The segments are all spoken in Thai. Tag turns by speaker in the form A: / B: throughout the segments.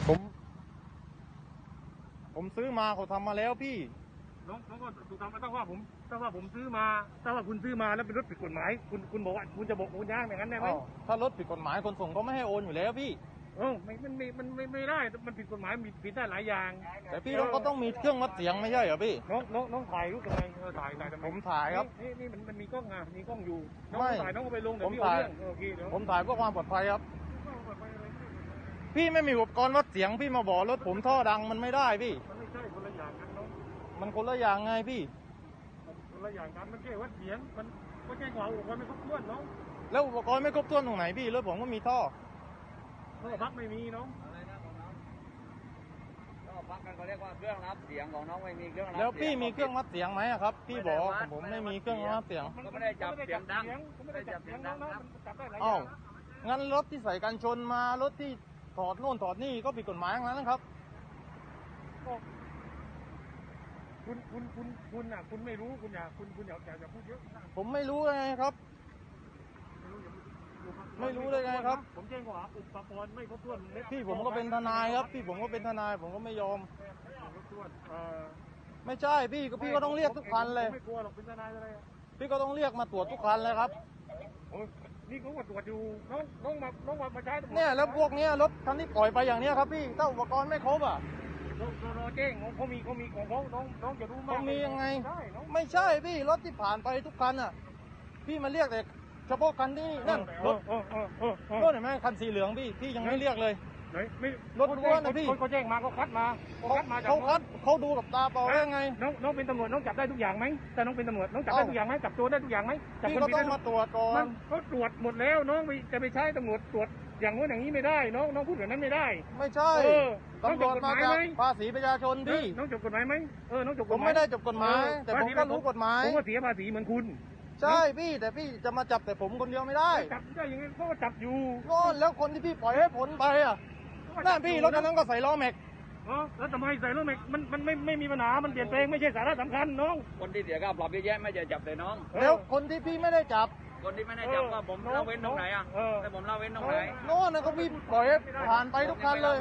A: ผมซื้อมาเขาทำมาแล้วพี่
B: น้องก็ถูกทำมาตั้งว่าผมซื้อมาตั้งว่าคุณซื้อมาแล้วเป็นรถผิดกฎหมายคุณบอกว่าคุณจะบอกคุณย่างอย่างนั้นได้ไหม
A: ถ้ารถผิดกฎหมายคนส่งเขาไม่ให้โอนอยู่แล้วพี่
B: ไม่ได้มันผิดกฎหมายผิดได้หลายอย่าง
A: แต่พี่ก็ต้องมีเครื่องวัดเสียงไม่ใช่เหรอพี่
B: น้องถ่ายรูปยังไงถ่าย
A: ผมถ่ายครับ
B: นี่มันมีกล้องมีกล้องอยู่น้องถ่ายน้องก็ไปลงเดี๋ยวพี่เอาเรื่องโอเคเดี๋ยว
A: ผมถ่ายเพื่อความปลอดภัยครับพี่ไม่มีอุปกรณ์วัดเสียงพี่มาบอกรถผมท่อดังมันไม่ได้พี่
B: มันไม่ใช่คนละอย่างกันน้อง
A: มันคนละอย่างไงพี่
B: คนละอย่างกันมันแค่วัดเสียงมันแค่ความอุปกรณ์ไม่ครบถ้วนน้อง
A: แล้วอุปกรณ์ไม่ครบถ้วนตรงไหนพี่รถผมก็มีท่อ
B: พักไม่มีน้อง
C: พักกันเขาเรียกว่าเครื่องรับเสียงของน้องไม่มีเครื่องรับ
A: แล้วพี่มีเครื่องวัดเสียงไหมครับพี่บอกผมไม่มีเครื่องวัดเสียง
C: ก็ไม่ได้จับเสียงดัง
B: ไม่ได้จับเสียงดังนะจับได้หลายอ
A: ย่า
B: าง
A: งั้นรถที่ใส่กันชนมารถที่ถอดโน่นถอดนี่ก็ผิดกฎหมายทั้งนั้นนะครับ
B: คุณไม่รู้คุณอย่าพูดเยอะ
A: ผมไม่รู้ไงครับไม่รู้ได้ไงครับ
B: ผมแจ้งว่าอุปกรณ์ไม่ครบถ้วน
A: พี่ผมก็เป็นทนายครับพี่ผมก็เป็นทนายผมก็ไม่ยอมไม่ใช่พี่ก็ต้องเรียกทุกคันเลย
B: ไม่กลัวหรอกเป็นทนายอะไร
A: พี่ก็ต้องเรียกมาตรวจทุกคันเลยครับ
B: นี่เขาตรวจอยู่น้องมาใช้
A: เนี่ยแล้วพวกเนี้ยรถคันที่ปล่อยไปอย่างเนี้ยครับพี่ถ้าอุปกรณ์ไม่ครบอ่ะ
B: รอแจ้งเขามีของเขาน้องจะรู้มาก
A: เขามียังไงไม่ใช่พี่รถที่ผ่านไปทุกคันอ่ะพี่มาเรียกแต่เฉพาะคันที่นั่นรถเห็นไหมคันสีเหลืองพี่ยังไม่เรียกเลยรถล้วนนะพี่
B: เขาแจ้งมาเขาคัดมา
A: เขาดูกับตาเปล่าได้ไง
B: น้องเป็นตำรวจน้องจับได้ทุกอย่างไหมแต่น้องเป็นตำรวจน้องจับได้ทุกอย่างไหมจับตัวได้ทุกอย่างไหม
A: พี่ก็ต้องมาตรวจก่อน
B: เขาตรวจหมดแล้วน้องจะไปใช้ตำรวจตรวจอย่างนู้นอย่างนี้ไม่ได้น้องพูดแบบนั้นไม่ได้
A: ไม่ใช่ตำรวจมาจากภาษีประชาชนพี่
B: น้องจบกฎหมายไหมน้องจบกฎหมาย
A: ผมไม่ได้จบกฎหมายแต่ผมก็รู้กฎหมาย
B: ผมก็เสียภาษีเหมือนคุณ
A: ใช่พี่แต่พี่จะมาจับแต่ผมคนเดียวไม่ได้
B: จับได้ยังไงเขาก็จับอยู่
A: ก็แล้วคนที่พี่ปล่อยให้ผลไปอ่ะนั่นพี่รถคันนั้นก็ใส่ล้อแม็ก
B: แล้วทำไมใส่ล้อแม็กมันไม่มีปัญหามันเปลี่ยนแปลงไม่ใช่สาระสำคัญน้อง
C: คนที่เสียค่าปรับเยอะแยะไม่จะจับแต่น้อง
A: แล้วคนที่พี่ไม่ได้จับ
C: คนที่ไม่ได้จับก็ผมเล่าเว้นตรงไหนอ่ะแต่ผมเล่าเว้นตรงไหน
A: โน่นนะก็พี่ปล่อยให้ผ่านไปทุกคันเลย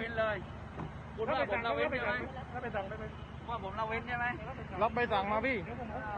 C: คุณว่าผมเล่าเว้นใช่ไหม
B: แล้วไปสั่งได้ไหม
C: ว่าผมเล่าเว้นใช่ไหม
A: รับใบสั่งมาพี่